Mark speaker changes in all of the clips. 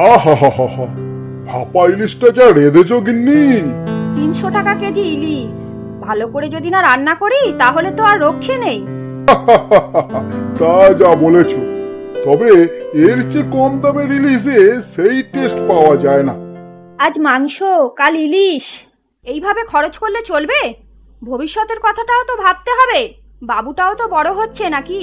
Speaker 1: আহা হা হা হা, ভাপা ইলিশটা যা রেঁধেছো গিন্নি।
Speaker 2: 300 টাকা কেজি ইলিশ। ভালো করে যদি না রান্না করি তাহলে তো আর রক্ষে নেই।
Speaker 1: তা যা বলেছো, তবে এর চেয়ে কম দামের ইলিশে সেই টেস্ট পাওয়া যায় না।
Speaker 2: আজ মাংস, কাল ইলিশ, এইভাবে খরচ করলে চলবে? ভবিষ্যতের কথাটাও তো ভাবতে হবে। বাবুটাও তো বড় হচ্ছে নাকি?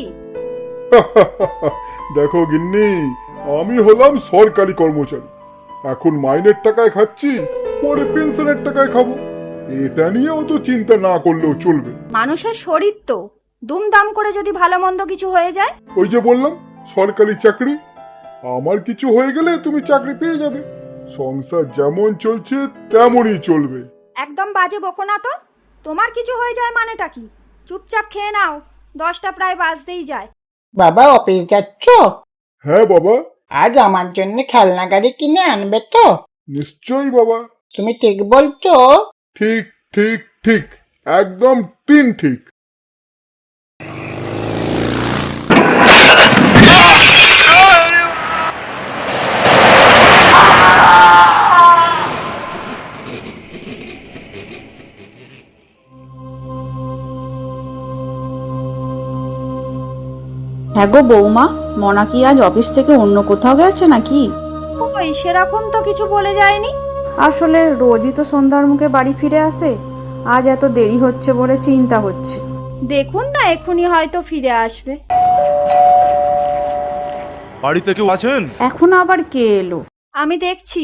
Speaker 1: দেখো গিন্নি, আমি হলাম সরকারি কর্মচারী। এখন মাইনের টাকায় খাচ্ছি, পরে পেনশনের টাকায় খাবো। এটা নিয়েও তো চিন্তা না করলেও চলবে।
Speaker 2: মানুষের শরীর তো, দুমদাম করে যদি ভালো মন্দ কিছু হয়ে যায়।
Speaker 1: ওই যে বললাম, সরকারি চাকরি। আমার কিছু হয়ে গেলে তুমি চাকরি পেয়ে যাবে। সংসার যেমন চলছে তেমনই চলবে।
Speaker 2: একদম বাজে বকো না তো। তোমার কিছু হয়ে যায় মানেটা কি? চুপচাপ খেয়ে নাও, 10টা প্রায় বাজতেই যায়।
Speaker 3: বাবা অফিস যাচ্ছ?
Speaker 1: হ্যাঁ বাবা।
Speaker 3: আজ আমার জন্য খেলনা গাড়ি কিনে আনবে তো?
Speaker 1: নিশ্চয়ই বাবা।
Speaker 3: তুমি ঠিক বলছো?
Speaker 1: ঠিক ঠিক ঠিক, একদম তিন ঠিক।
Speaker 4: হ্যাঁ গো বৌমা, মনা কি আজ অফিস থেকে অন্য কোথাও গেছে নাকি?
Speaker 2: ওই সেরকম তো কিছু বলে যায়নি।
Speaker 4: আসলে রোজই তো সন্ধ্যার মুখে বাড়ি ফিরে আসে, আজ এত দেরি হচ্ছে বলে চিন্তা হচ্ছে।
Speaker 2: দেখুন না, এক্ষুনি হয়তো ফিরে আসবে।
Speaker 5: বাড়িতে কেউ আছেন?
Speaker 4: এখন আবার কে এলো?
Speaker 2: আমি দেখছি।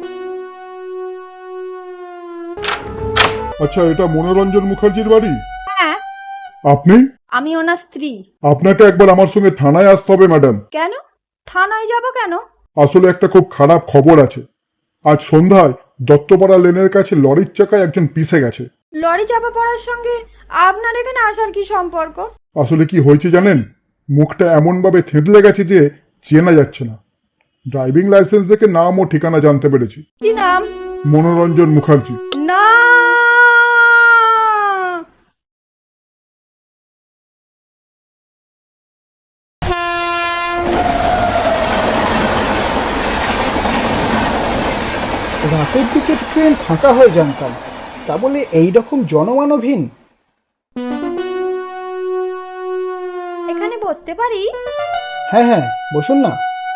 Speaker 1: আচ্ছা, এটা মনোরঞ্জন মুখার্জির বাড়ি?
Speaker 2: হ্যাঁ,
Speaker 1: আপনি?
Speaker 2: আমি ওনার স্ত্রী।
Speaker 1: আপনাকে একবার আমার সঙ্গে থানায় আসতে হবে ম্যাডাম।
Speaker 2: কেন? থানায় যাব কেন?
Speaker 1: আসলে একটা খুব খারাপ খবর আছে। আজ সন্ধ্যায় দত্তপাড়া লেনের কাছে লরির চাকায় একজন পিষে গেছে।
Speaker 2: লরি চাপা পড়ার সঙ্গে আপনার এখানে আসার কি সম্পর্ক?
Speaker 1: আসলে কি হয়েছে জানেন? মুখটা এমন ভাবে থেঁতলে গেছে যে চেনা যাচ্ছে না। ড্রাইভিং লাইসেন্স দেখে নাম ও ঠিকানা জানতে পেরেছি।
Speaker 2: কি নাম?
Speaker 1: মনোরঞ্জন মুখার্জি।
Speaker 2: না,
Speaker 6: রাতের দিকে ট্রেন ফাঁকা হয়ে জানতাম, তা বলে এইরকম জনমানবহীন?
Speaker 2: এখানে বসতে পারি?
Speaker 6: হ্যাঁ হ্যাঁ, বসুন না।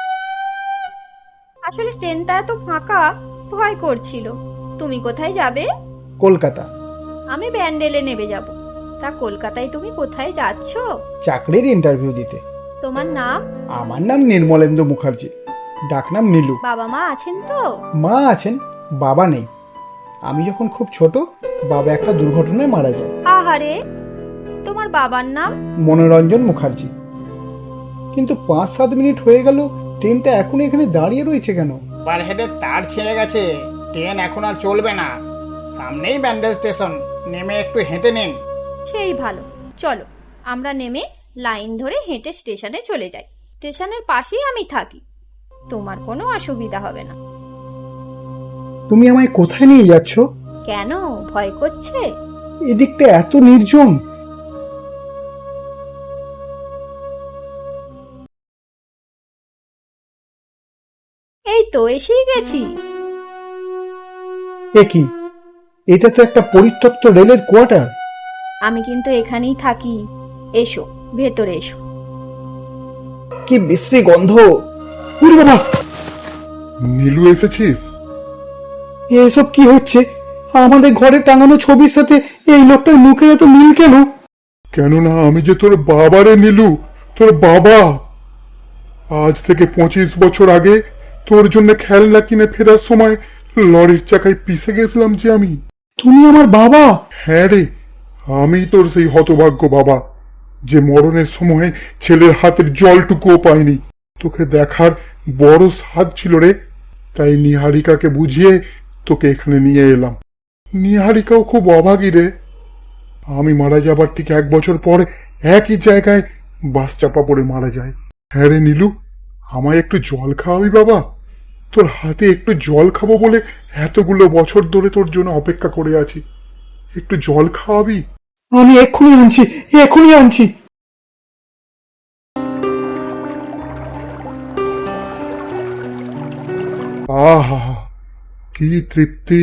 Speaker 2: আসলে ট্রেনটা এত ফাঁকা, ভয় করছিল। তুমি কোথায় যাবে?
Speaker 6: কলকাতা।
Speaker 2: আমি ব্যান্ডেলে নেমে যাব। তা কলকাতায় তুমি কোথায় যাচ্ছ?
Speaker 6: চাকরির ইন্টারভিউ দিতে।
Speaker 2: তোমার নাম?
Speaker 6: আমার নাম নির্মলেন্দু মুখার্জি, ডাকনাম নীলু।
Speaker 2: বাবা মা আছেন তো?
Speaker 6: মা আছেন, বাবা নেই। আমি যখন খুব ছোট, বাবা একটা দুর্ঘটনায় মারা যায়।
Speaker 2: আহারে, তোমার বাবার নাম?
Speaker 6: মনোরঞ্জন মুখার্জি। কিন্তু 5-7 মিনিট হয়ে গেল, ট্রেনটা এখন এখানে দাঁড়িয়ে রয়েছে কেন?
Speaker 3: ওভারহেডের তার ছিঁড়ে গেছে, ট্রেন এখন আর চলবে না। সামনেই ব্যান্ডেল স্টেশন, নেমে একটু হেঁটে নিন।
Speaker 2: সেই ভালো, চলো আমরা নেমে লাইন ধরে হেঁটে স্টেশনে চলে যাই। স্টেশনের পাশেই আমি থাকি, তোমার কোনো অসুবিধা হবে না।
Speaker 6: তুমি আমায় কোথায় নিয়ে যাচ্ছ?
Speaker 2: কেন, ভয় করছে?
Speaker 6: এদিকটা এত নির্জন।
Speaker 2: এই তো এসেই গেছি।
Speaker 6: এ কি, এটা তো একটা পরিত্যক্ত রেলের কোয়ার্টার।
Speaker 2: আমি কিন্তু এখানেই থাকি। এসো, ভেতরে এসো।
Speaker 6: কি বিশ্রী গন্ধ! উরে বাবা,
Speaker 1: নীলু এসেছিস?
Speaker 6: এসব কি হচ্ছে? আমাদের ঘরে টাঙানো ছবির সাথে এই লোকটার মুখে এত মিল কেন?
Speaker 1: কেননা আমি যে তোর বাবারে নীলু, তোর বাবা। আজ থেকে 25 বছর আগে তোর জন্য খেলনা কিনে ফেরার সময় লরির চাকায় পিষে গেছিলাম যে আমি।
Speaker 6: তুমি আমার বাবা?
Speaker 1: হ্যাঁ রে, আমি তোর সেই হতভাগ্য বাবা, যে মরণের সময় ছেলের হাতের জলটুকুও পাইনি। তোকে দেখার বড় স্বাদ ছিল রে, তাই নিহারিকাকে বুঝিয়ে তোকে এখানে নিয়ে এলাম। নিহারিকাও খুব অভাগী রে। আমি মারা যাবার ঠিক 1 বছর পরে একই জায়গায় বাস চাপা পড়ে মারা যায়। হ্যাঁ রে নীলু, আমায় একটু জল খাওয়াবি বাবা? তোর হাতে একটু জল খাবো বলে এতগুলো বছর ধরে তোর জন্য অপেক্ষা করে আছি। একটু জল খাওয়াবি?
Speaker 6: আমি এক্ষুনি আনছি, এক্ষুনি আনছি।
Speaker 1: কি তৃপ্তি।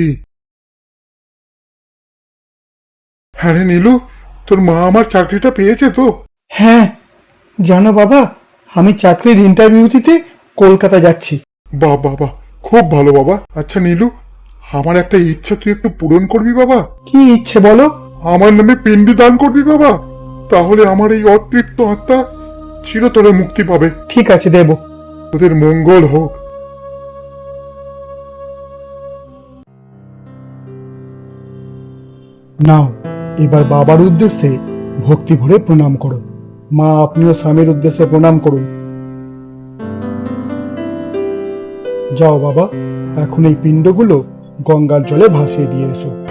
Speaker 1: হ্যাঁ রে নীলু, তোর মা আমার চাকরিটা পেয়েছে তো?
Speaker 6: হ্যাঁ, জানো বাবা, আমি চাকরির ইন্টারভিউ দিতে কলকাতা যাচ্ছি।
Speaker 1: বাহ বাহ বাহ, খুব ভালো বাবা। আচ্ছা নীলু, আমার একটা ইচ্ছা তুই একটু পূরণ করবি বাবা।
Speaker 6: কি ইচ্ছে বলো?
Speaker 1: আমার নামে পিণ্ডি দান করবি বাবা, তাহলে আমার এই অতৃপ্ত আত্মা চিরতরে মুক্তি পাবে।
Speaker 6: ঠিক আছে, দেব।
Speaker 1: তোদের মঙ্গল হোক।
Speaker 6: নাও, এবার বাবার উদ্দেশ্যে ভক্তি ভরে প্রণাম করো। মা, আপনিও স্বামীর উদ্দেশ্যে প্রণাম করুন। যাও বাবা, এখন এই পিণ্ডগুলো গঙ্গার জলে ভাসিয়ে দিয়ে এসো।